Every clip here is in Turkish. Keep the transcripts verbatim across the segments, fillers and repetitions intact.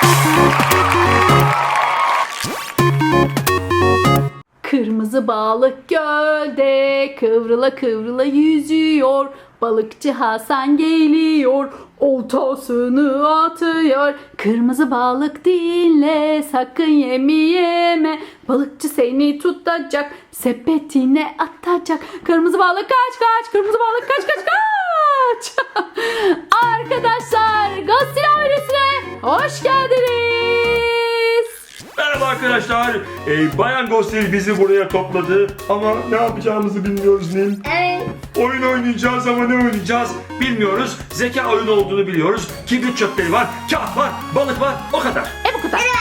Kırmızı balık gölde kıvrıla kıvrıla yüzüyor. Balıkçı Hasan geliyor, oltasını atıyor. Kırmızı balık dinle, sakın yemi yeme. Balıkçı seni tutacak, sepetine atacak. Kırmızı balık kaç kaç, kırmızı balık kaç kaç kaç. Arkadaşlar, Ghostil ailesine hoş geldiniz. Merhaba arkadaşlar. Ee, Bayan Ghostil bizi buraya topladı ama ne yapacağımızı bilmiyoruz Nil. Evet. Oyun oynayacağız ama ne oynayacağız bilmiyoruz. Zeka oyunu olduğunu biliyoruz. Kibrit çöpleri var, kağıt var, balık var, o kadar. E bu kadar.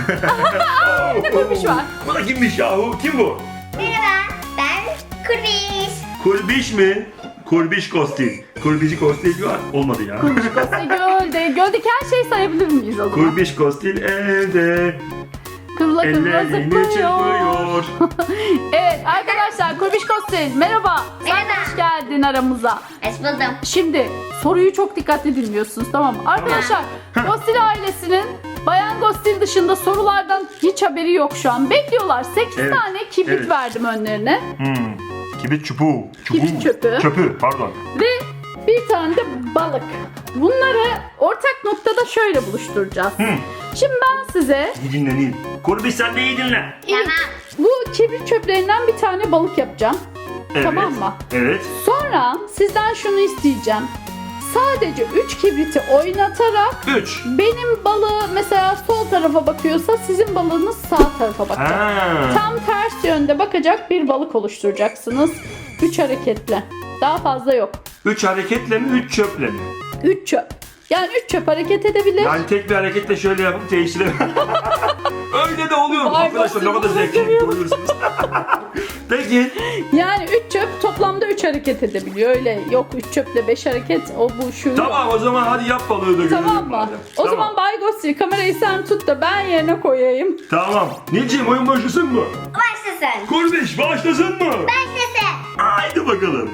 Bir de kurbiş var. Bu da kimmiş yahu? Kim bu? Merhaba, ben Kurbiş. Kurbiş mi? Kurbiş Ghostil. Kurbici Ghostil var. Olmadı ya. Ghostil gölde. Göldeki her şeyi sayabilir miyiz o zaman? Kurbiş Ghostil evde. Kıvrıla kıvrıla Ellerini zıplıyor. çırpıyor. Evet arkadaşlar, Kurbiş Ghostil merhaba. Sen de Merhaba. hoş geldin aramıza. Hoş buldum. Şimdi soruyu çok dikkatli dinliyorsunuz, tamam mı? Arkadaşlar, Ghostil ailesinin Bayan Ghostil dışında sorulardan hiç haberi yok şu an. Bekliyorlar. sekiz Evet, tane kibrit evet. verdim önlerine. Hmm. Kibrit çubuğu. Çubuğu. Kibrit çöpü. Çöpü pardon. Ve bir tane de balık. Bunları ortak noktada şöyle buluşturacağız. Hı. Şimdi ben size İyi dinle Nil. Kurbiş sen de iyi dinle. ilk bu kibrit çöplerinden bir tane balık yapacağım. Evet. Tamam mı? Evet. Sonra sizden şunu isteyeceğim. Sadece üç kibriti oynatarak Üç. benim balığı mesela sol tarafa bakıyorsa sizin balığınız sağ tarafa bakacak. Ha. Tam ters yönde bakacak bir balık oluşturacaksınız. üç hareketle. Daha fazla yok. Üç hareketle mi, üç çöple mi? üç çöp. Yani üç çöp hareket edebilir. Yani tek bir hareketle şöyle yapıp değiştirelim. Öyle de oluyor. Vay Arkadaşlar ne be, kadar bunu zevkli seviyorum. görüyorsunuz. Peki. Yani üç çöp toplamda üç hareket edebiliyor. Öyle yok üç çöple beş hareket o bu şu. Tamam o zaman hadi yap balığı da görelim. Tamam mı? madem. O Tamam. zaman Bay Ghostil kamerayı sen tut da ben yerine koyayım. Tamam. Nilciğim oyun başlasın mı? Başlasın. Kurbiş başlasın mı? Başlasın. Haydi bakalım.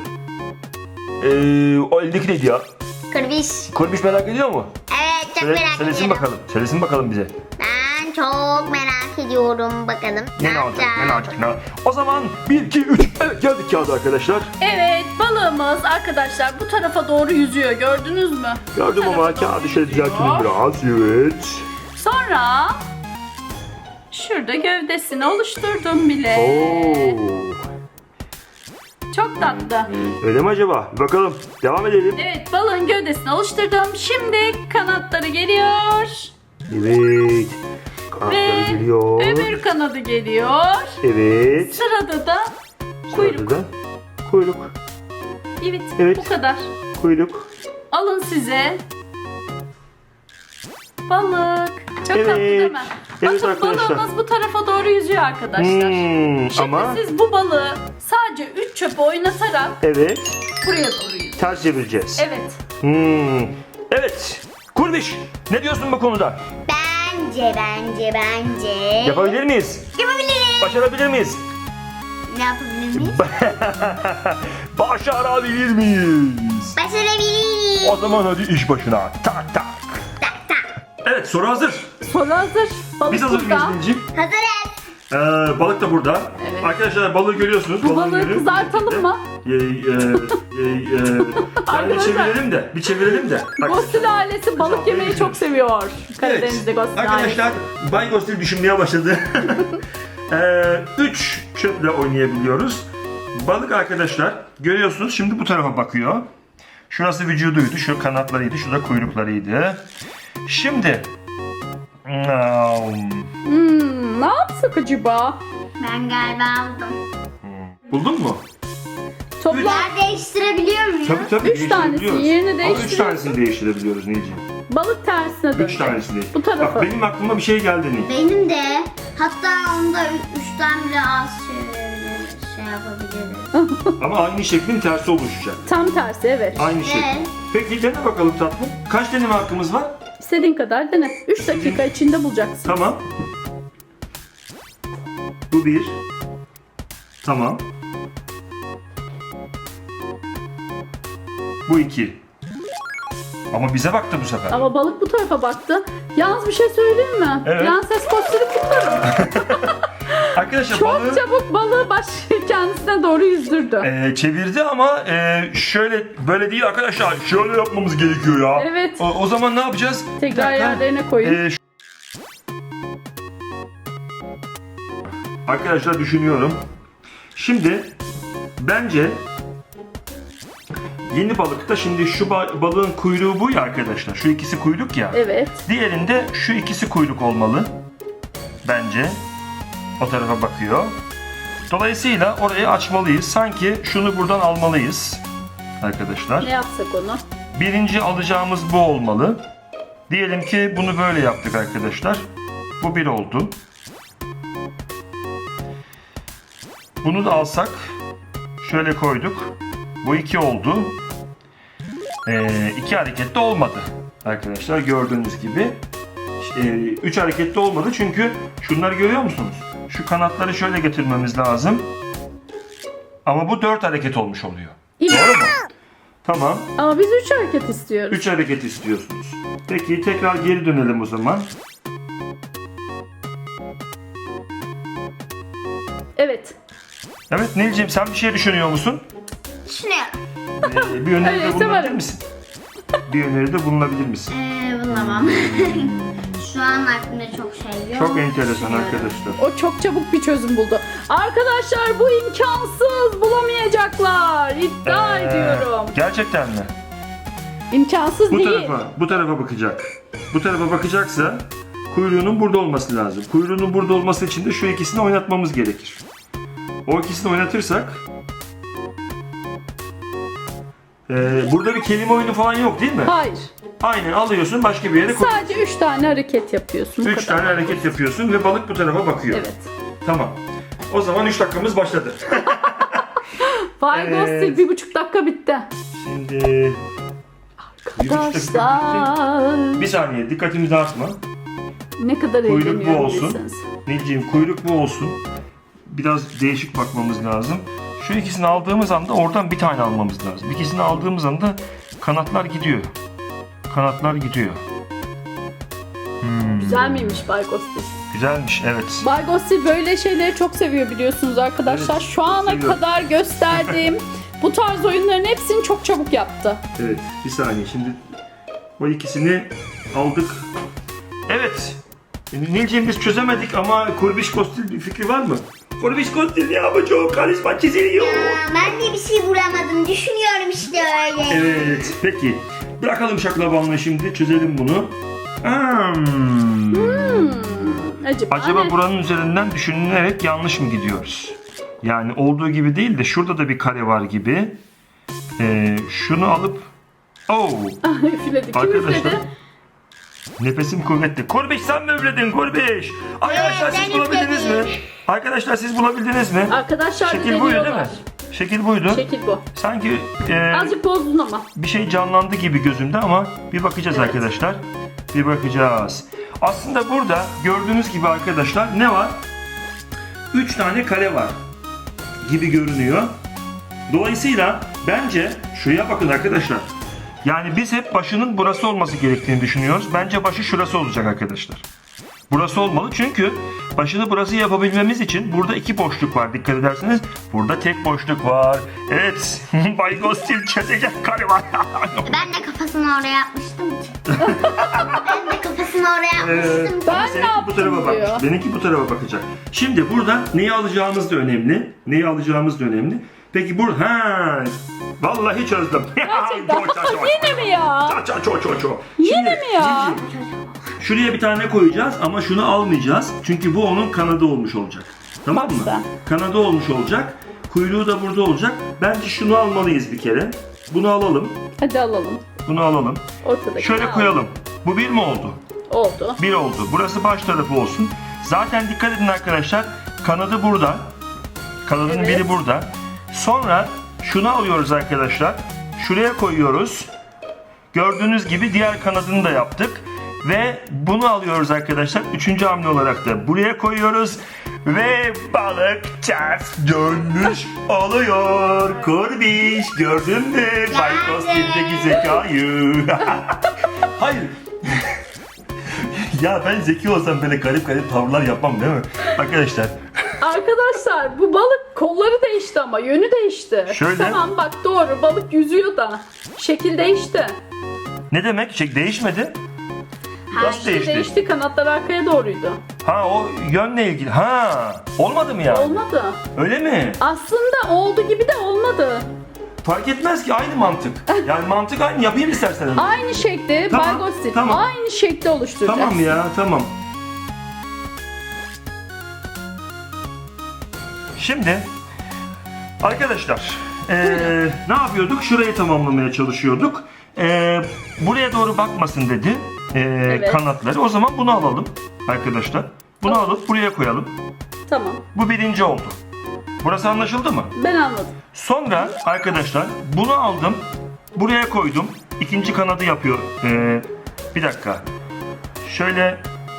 Ee, o eldeki neydi ya? Kurbiş. Kurbiş merak ediyor mu? Evet, çok Söyle, merak söylesin ediyorum. bakalım. Söylesin bakalım bize. Ben çok merak ediyorum. Bakalım ne, Ne, ne olacak? yapacağım? Ne olacak? Ne olacak? O zaman bir, iki, üç. Evet geldik kağıda arkadaşlar. Evet, balığımız arkadaşlar bu tarafa doğru yüzüyor. Gördünüz mü? Gördüm Bu ama tarafa doğru kağıdı şöyle yüzüyor. düzeltelim biraz. Evet. Sonra şurada gövdesini oluşturdum bile. Oo. Çok tatlı. Öyle mi acaba? Bir bakalım. Devam edelim. Evet, balığın gövdesini oluşturdum. Şimdi kanatları geliyor. Evet. Kanatları Ve geliyor. öbür kanadı geliyor. Evet. Sırada da kuyruk. Sırada da kuyruk. Evet, Evet. bu kadar. Kuyruk. Alın size balık. Çok Evet. tatlı değil mi? Evet Bakın arkadaşlar. balığımız bu tarafa doğru yüzüyor arkadaşlar. Hmm, Şimdi ama siz bu balığı sadece üç çöpe oynatarak evet. buraya doğru yüzüyor. Ters çevireceğiz. Evet. Hmm. Evet. Kurbiş. Ne diyorsun bu konuda? Bence, bence, bence. Yapabilir miyiz? Yapabiliriz. Başarabilir miyiz? Ne yapabilir miyiz? Başarabilir miyiz? Başarabiliriz. O zaman hadi iş başına. Tak tak. Tak tak. Evet soru hazır. Soru hazır. Balık Biz hazır mıyız burada. Nilciğim? Hazırız. Ee, balık da burada. Evet. Arkadaşlar balığı görüyorsunuz. Bu Balığın balığı yeri kızartalım şekilde. mı? Ee, e, e, e, yani bir Arkadaşlar. çevirelim de. Bir çevirelim de. Bak. Ghostil ailesi balık yemeyi çok seviyor. Karadeniz'de Evet. Ghostil ailesi. Arkadaşlar Bay Ghostil düşünmeye başladı. ee, üç çöple oynayabiliyoruz. Balık arkadaşlar görüyorsunuz şimdi bu tarafa bakıyor. Şurası vücuduydu, şu kanatlarıydı, şu da kuyruklarıydı. Şimdi Hmm, ne yapsak acaba? Ben galiba aldım. buldun mu? Toplam Yer değiştirebiliyor muyum? Tabii tabii. Üç tanesi, değiştirebiliyoruz. yerini Ama üç değiştiriyorsun. tanesini değiştirebiliyoruz Nilciğim. balık tersine dön. Üç tanesini. Bu tarafa. Bak benim aklıma bir şey geldi Nil. Benim de. Hatta onda ü- üçten bile az çevirebiliriz. Şey yapabiliriz. Ama aynı şeklin tersi oluşacak. Tam tersi, evet. Aynı şekil. Evet. Peki dene bakalım tatlım. Kaç deneme hakkımız var? İstediğin kadar dene. üç dakika içinde bulacaksın. Tamam. Bu bir. Tamam. Bu iki. Ama bize baktı bu sefer. Ama balık bu tarafa baktı. Yalnız bir şey söyleyeyim mi? Evet. Prenses Kostili kutlarım. Arkadaşlar Çok balığı çabuk balığı baş kendisine doğru yüzdürdü. e, çevirdi ama e, şöyle böyle değil arkadaşlar. Şöyle yapmamız gerekiyor ya. Evet. O, o zaman ne yapacağız? Tekrar Bir dakika. yerlerine koyun. E, şu- Arkadaşlar düşünüyorum. Şimdi bence yeni balıkta şimdi şu ba- balığın kuyruğu bu ya arkadaşlar. Şu ikisi kuyruk ya. Evet. Diğerinde şu ikisi kuyruk olmalı. Bence. O tarafa bakıyor. Dolayısıyla orayı açmalıyız. Sanki şunu buradan almalıyız. Arkadaşlar. Ne yapsak onu? Birinci alacağımız bu olmalı. Diyelim ki bunu böyle yaptık arkadaşlar. Bu bir oldu. Bunu da alsak. Şöyle koyduk. Bu iki oldu. Ee, iki harekette olmadı. Arkadaşlar gördüğünüz gibi. Ee, üç harekette olmadı çünkü şunları görüyor musunuz? Şu kanatları şöyle getirmemiz lazım. Ama bu dört hareket olmuş oluyor. İyi. Doğru mu? Tamam. Ama biz üç hareket istiyoruz. üç hareket istiyorsunuz. Peki tekrar geri dönelim o zaman. Evet. Evet Nilciğim sen bir şey düşünüyor musun? Düşünüyorum. Ee, bir öneride Evet, bulunabilir severim. misin? Bir öneride bulunabilir misin? Ee, bulamam. Şu an aklımda çok şey yok. Çok enteresan Düşünüyorum. arkadaşlar. O çok çabuk bir çözüm buldu. Arkadaşlar bu imkansız. Bulamayacaklar. İddia Ee, ediyorum. Gerçekten mi? İmkansız Bu değil. tarafa, bu tarafa bakacak. Bu tarafa bakacaksa kuyruğunun burada olması lazım. Kuyruğunun burada olması için de şu ikisini oynatmamız gerekir. O ikisini oynatırsak ee, burada bir kelime oyunu falan yok değil mi? Hayır. Aynen alıyorsun başka bir yere koy. Sadece üç tane hareket yapıyorsun. bu Üç kadar. tane hareket yapıyorsun ve balık bu tarafa bakıyor. Evet. Tamam. O zaman üç dakikamız başladı. Vay Evet. Ghostil bir buçuk dakika bitti. Şimdi bir buçuk dakika bitti. Arkadaşlar. Bir saniye dikkatimizi dağıtma. Ne kadar Kuyruk bu eğleniyor olsun. bilirsiniz. Nilciğim kuyruk bu olsun. Biraz değişik bakmamız lazım. Şu ikisini aldığımız anda oradan bir tane almamız lazım. İkisini aldığımız anda kanatlar gidiyor. Kanatlar gidiyor. Hmm, Güzel miymiş Bay Ghostil? güzelmiş evet. Bay Ghostil böyle şeyleri çok seviyor biliyorsunuz arkadaşlar. Evet, Şu ana seviyorum. kadar gösterdiğim bu tarz oyunların hepsini çok çabuk yaptı. Evet bir saniye şimdi o ikisini aldık. Evet. Nilciğim biz çözemedik ama Kurbiş Kostil bir fikri var mı? Kurbiş Kostil ne yapacak? Karizma çiziliyor. Aa, ben de bir şey bulamadım. Düşünüyorum işte öyle. Evet peki. Bırakalım şaklabanlığı şimdi çözelim bunu. Hmm. Hmm, acaba, Acaba ne? buranın üzerinden düşünülerek yanlış mı gidiyoruz? Yani olduğu gibi değil de şurada da bir kare var gibi. Ee, şunu alıp oh, Üfledi. Kim arkadaşlar üfledi? nefesim kuvvetli. Kurbiş sen mi üfledin Kurbiş? Arkadaşlar Evet, siz ben bulabildiniz mi? üfledim. Arkadaşlar siz bulabildiniz mi? Arkadaşlar Şekil buydu değil mi? deniyorlar. Şekil buydu. Şekil bu. Sanki e, Azıcık bozdun ama. bir şey canlandı gibi gözümde ama bir bakacağız Evet. arkadaşlar. Bir bakacağız. Aslında burada gördüğünüz gibi arkadaşlar ne var? Üç tane kare var gibi görünüyor. Dolayısıyla bence şuraya bakın arkadaşlar. Yani biz hep başının burası olması gerektiğini düşünüyoruz. Bence başı şurası olacak arkadaşlar. Burası olmalı çünkü başını burası yapabilmemiz için burada iki boşluk var dikkat ederseniz. Burada tek boşluk var. Evet. Bay Ghostil çözecek kare var. Ben de kafasını oraya yapmıştım ki. ben de kafasını oraya yapmıştım ki. Ben Ama ne seninki bu yaptım tarafa diyor. bak. Benimki bu tarafa bakacak. Şimdi burada neyi alacağımız da önemli. Neyi alacağımız da önemli. Peki bu ha vallahi çözdüm. Gerçekten. Ço, ço, ço. Yine mi ya? Ço, ço, ço, ço, ço. Yine Şimdi, mi ya? Cicim, şuraya bir tane koyacağız ama şunu almayacağız. Çünkü bu onun kanadı olmuş olacak. Tamam mı? Bak Kanadı olmuş olacak. Kuyruğu da burada olacak. Bence şunu almalıyız bir kere. Bunu alalım. Hadi alalım. Bunu alalım. Ortadaki. Şöyle koyalım. Bu bir mi oldu? Oldu. Bir oldu. Burası baş tarafı olsun. Zaten dikkat edin arkadaşlar. Kanadı burada. Kanadının Evet. biri burada. Sonra şunu alıyoruz arkadaşlar. Şuraya koyuyoruz. Gördüğünüz gibi diğer kanadını da yaptık. Ve bunu alıyoruz arkadaşlar. Üçüncü hamle olarak da buraya koyuyoruz. Ve balık ters dönmüş oluyor. Kurbiş gördün mü Bay Ghostil'deki zekayı? Hayır. Ya ben zeki olsam böyle garip garip tavırlar yapmam değil mi? Arkadaşlar. Arkadaşlar bu balık kolları değişti ama yönü değişti. Şöyle. Tamam bak doğru balık yüzüyor da. Şekil değişti. Ne demek? Şey değişmedi. Nasıl İşte değişti? değişti kanatlar arkaya doğruydu. Ha o yönle ilgili. Ha olmadı mı ya? Olmadı. Öyle mi? Aslında oldu gibi de olmadı. Fark etmez ki aynı mantık. Yani mantık aynı. Yapayım istersen. Aynı şekli Tamam, Bay Ghostil. tamam. Aynı şekli oluşturacağız. Tamam ya tamam. Şimdi arkadaşlar eee, ne yapıyorduk? Şurayı tamamlamaya çalışıyorduk. Eee, buraya doğru bakmasın dedi eee, Evet. kanatları. O zaman bunu alalım arkadaşlar. Bunu alıp buraya koyalım. Tamam. Bu birinci oldu. Burası anlaşıldı mı? Ben anladım. Sonra arkadaşlar bunu aldım. Buraya koydum. İkinci kanadı yapıyor. Ee, bir dakika. Şöyle.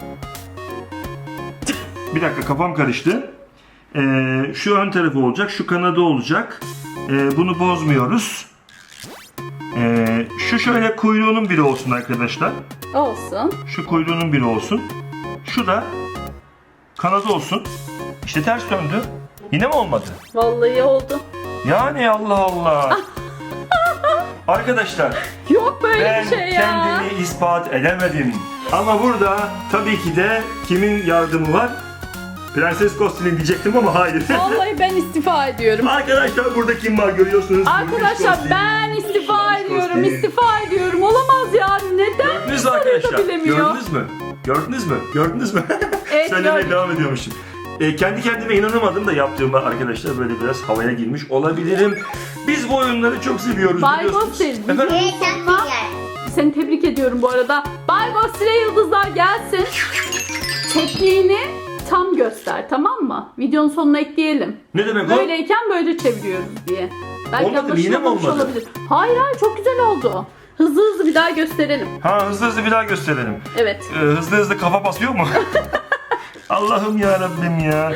Bir dakika kafam karıştı. Ee, şu ön tarafı olacak. Şu kanadı olacak. Ee, bunu bozmuyoruz. Ee, şu şöyle kuyruğunun biri olsun arkadaşlar. Olsun. Şu kuyruğunun biri olsun. Şu da kanadı olsun. İşte ters döndü. Yine mi olmadı? Vallahi oldu. Yani Allah Allah. Arkadaşlar Yok böyle ben bir şey ya. kendimi ispat edemedim. Ama burada tabii ki de kimin yardımı var? Prenses Ghostil'in diyecektim ama hayır. Vallahi ben istifa ediyorum. Arkadaşlar burada kim var görüyorsunuz. Arkadaşlar Kurbiş ben Ghostil. istifa Kurbiş ediyorum. Ghostil. istifa ediyorum. Olamaz ya. Neden Gördünüz mü soruyu da arkadaşlar? bilemiyor? Gördünüz mü? Gördünüz mü? Gördünüz mü? Evet, Söylemeye gördüm. devam ediyormuşum. E, kendi kendime inanamadım da yaptığıma arkadaşlar böyle biraz havaya girmiş olabilirim. Biz bu oyunları çok seviyoruz Bay biliyorsunuz. Ghostil, Efendim? Evet sen de gel. Seni tebrik ediyorum bu arada. Bay Ghostil'e yıldızlar gelsin. Tekniğini tam göster tamam mı? Videonun sonuna ekleyelim. Ne demek o? Böyleyken böyle çeviriyoruz diye. Belki Olmadı mı? Yine mi anlaşılmamış olmadı? olabilir. Hayır hayır çok güzel oldu. Hızlı hızlı bir daha gösterelim. Ha hızlı hızlı bir daha gösterelim. Evet. Ee, hızlı hızlı kafa basıyor mu? Allah'ım ya Rabbim ya.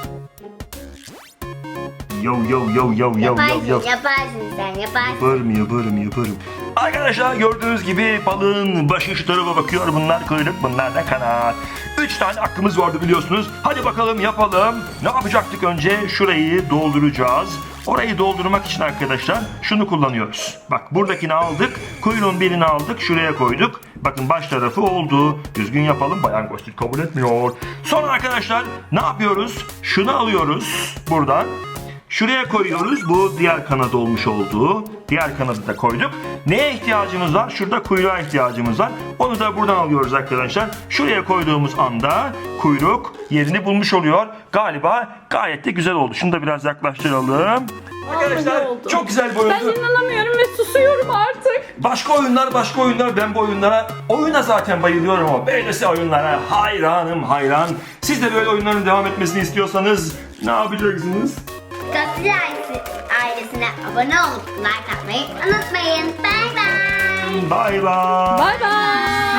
Yo yo yo yo yo yo Yaparsın, yo. yaparsın sen yaparsın. Yaparım yaparım yaparım. Arkadaşlar gördüğünüz gibi balığın başı şu tarafa bakıyor. Bunlar kuyruk, bunlar da kanat. Üç tane hakkımız vardı biliyorsunuz. Hadi bakalım yapalım. Ne yapacaktık önce? Şurayı dolduracağız. Orayı doldurmak için arkadaşlar şunu kullanıyoruz. Bak buradakini aldık. Kuyruğun birini aldık. Şuraya koyduk. Bakın baş tarafı oldu. Düzgün yapalım. Bayan Ghostil kabul etmiyor. Sonra arkadaşlar ne yapıyoruz? Şunu alıyoruz buradan. Şuraya koyuyoruz. Bu diğer kanadı olmuş oldu. Diğer kanadı da koyduk. Neye ihtiyacımız var? Şurada kuyruğa ihtiyacımız var. Onu da buradan alıyoruz arkadaşlar. Şuraya koyduğumuz anda kuyruk yerini bulmuş oluyor. Galiba gayet de güzel oldu. Şunu da biraz yaklaştıralım. Arkadaşlar Vallahi oldu. çok güzel bir Ben oyundu. inanamıyorum ve susuyorum artık. Başka oyunlar başka oyunlar. Ben bu oyunlara oyuna zaten bayılıyorum ama böylesi oyunlara hayranım hayran. Siz de böyle oyunların devam etmesini istiyorsanız ne yapacaksınız? Ghostil ailesi, ailesine abone olup like atmayı unutmayın. Bye bye. Bay bay. Bay bay.